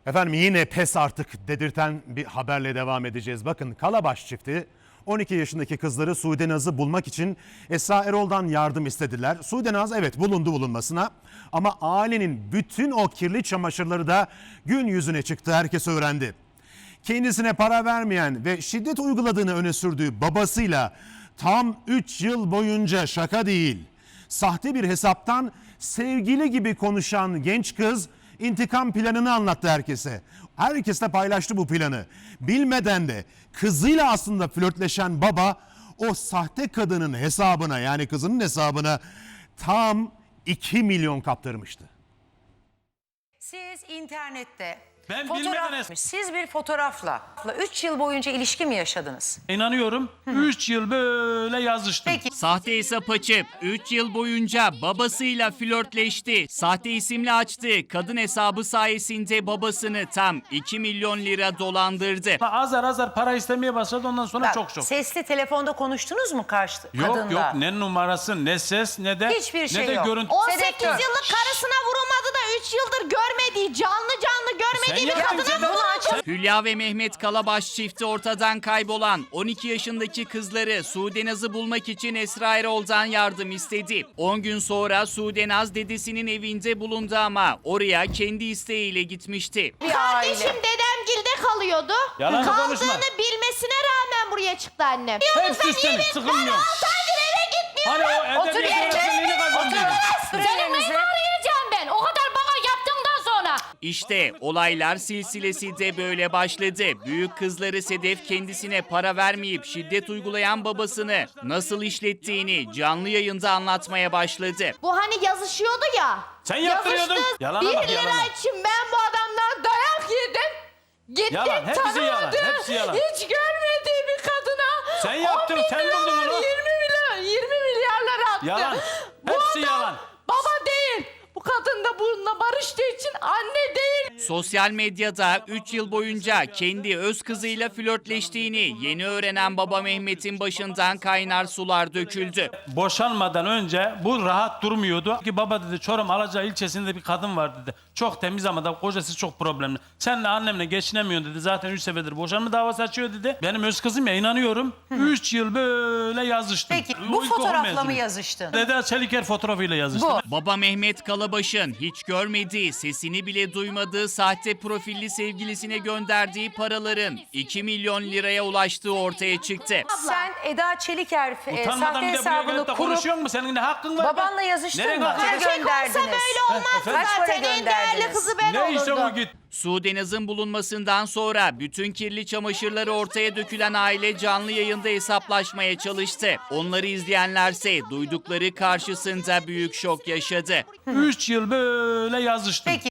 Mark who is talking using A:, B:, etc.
A: Efendim yine pes artık dedirten bir haberle devam edeceğiz. Bakın Kalabaş çifti 12 yaşındaki kızları Sude Naz'ı bulmak için Esra Erol'dan yardım istediler. Sude Naz evet bulundu bulunmasına ama ailenin bütün o kirli çamaşırları da gün yüzüne çıktı, herkes öğrendi. Kendisine para vermeyen ve şiddet uyguladığını öne sürdüğü babasıyla tam 3 yıl boyunca, şaka değil, sahte bir hesaptan sevgili gibi konuşan genç kız intikam planını anlattı herkese. Herkes de paylaştı bu planı. Bilmeden de kızıyla aslında flörtleşen baba o sahte kadının hesabına, yani kızının hesabına tam 2 milyon kaptırmıştı.
B: Siz internette
C: Ben bilmeden
B: siz bir fotoğrafla 3 yıl boyunca ilişki mi yaşadınız?
C: İnanıyorum 3 yıl böyle yazıştım.
B: Peki
D: Sahte hesap açıp 3 yıl boyunca babasıyla flörtleşti. Sahte isimle açtığı kadın hesabı sayesinde babasını tam 2 milyon lira dolandırdı.
C: Azar azar para istemeye başladı, ondan sonra
B: bak,
C: çok.
B: sesli telefonda konuştunuz mu karşı kadınla?
C: Yok ne numarası, ne ses, ne de
B: Hiçbir şey
C: ne de
B: yok.
C: görüntü.
E: 18
B: Sedektör.
E: yıllık karısına vurulmadı da 3 yıldır görmediği, canlı görmediği bir
C: yaptın
E: kadına
C: Sedat.
E: bunu açıp...
D: Hülya ve Mehmet Kalabaş çifti ortadan kaybolan 12 yaşındaki kızları Sude Naz'ı bulmak için Esra Erol'dan yardım istedi. 10 gün sonra Sude Naz dedesinin evinde bulundu ama oraya kendi isteğiyle gitmişti.
E: Kardeşim dedemgilde kalıyordu.
C: Yalan konuşma.
E: Kaldığını bilmesine rağmen buraya çıktı annem.
C: Hepsi senin, sıkılmıyor.
E: Eve gitmiyorum.
C: Hani o
B: Otur
C: edebiyat
B: yerine.
C: öğretmenliğini kazandıydı.
B: Sürün
E: Senin
B: elinizi.
E: neyini arayacağım ben? O kadar bana yaptığından sonra.
D: İşte olaylar silsilesi de böyle başladı. Büyük kızları Sedef kendisine para vermeyip şiddet uygulayan babasını nasıl işlettiğini canlı yayında anlatmaya başladı.
E: Bu hani yazışıyordu ya.
C: Sen yaptırıyordun.
E: Yazıştık.
C: Yalana
E: 1
C: bak,
E: lira
C: yalana.
E: için ben bu adamdan dayak yedim. Gittim
C: Yalan, hepsi
E: tanımadı.
C: yalan, hepsi yalan.
E: Hiç görmediği bir kadına.
C: Sen yaptın,
E: 10 bin
C: sen buldun
E: liralar,
C: onu.
E: 20 milyarlar attı.
C: Yalan,
E: Bu
C: hepsi
E: adam
C: yalan.
E: baba değil. Bu kadın da bununla barıştığı için anne değil.
D: Sosyal medyada 3 yıl boyunca kendi öz kızıyla flörtleştiğini yeni öğrenen baba Mehmet'in başından kaynar sular döküldü.
C: Boşanmadan önce bu rahat durmuyordu. Ki baba dedi, Çorum Alaca ilçesinde bir kadın var dedi. Çok temiz ama da kocası çok problemli. Senle annemle geçinemiyorsun dedi. Zaten 3 seferdir boşanma davası açıyor dedi. Benim öz kızım ya, inanıyorum. 3 yıl böyle yazıştım.
B: Peki bu
C: İlkokul
B: fotoğrafla mı
C: mezunu.
B: yazıştın?
C: Dede Çeliker fotoğrafıyla yazıştım.
B: Bu.
D: Baba Mehmet Kalabaş'ın hiç görmediği, sesini bile duymadığı sahte profilli sevgilisine gönderdiği paraların 2 milyon liraya ulaştığı ortaya çıktı.
B: Sen Eda Çeliker
C: Utanmadan
B: sahte
C: bir de buraya
B: hesabını
C: gelip de
B: kurup
C: konuşuyor mu? Senin ne hakkın var?
B: babanla yazıştın
C: Nereye
B: mı?
C: kaçacaksın?
B: Kaç gönderdiniz?
E: Böyle olmaz
C: Efendim?
B: Kaç para
E: zaten. En değerli
B: gönderdiniz?
E: kızı ben
C: Ne işte
E: olurdum.
C: bu git.
D: Sude Naz'ın bulunmasından sonra bütün kirli çamaşırları ortaya dökülen aile canlı yayında hesaplaşmaya çalıştı. Onları izleyenlerse duydukları karşısında büyük şok yaşadı.
C: 3 yıl böyle yazıştım.
B: Peki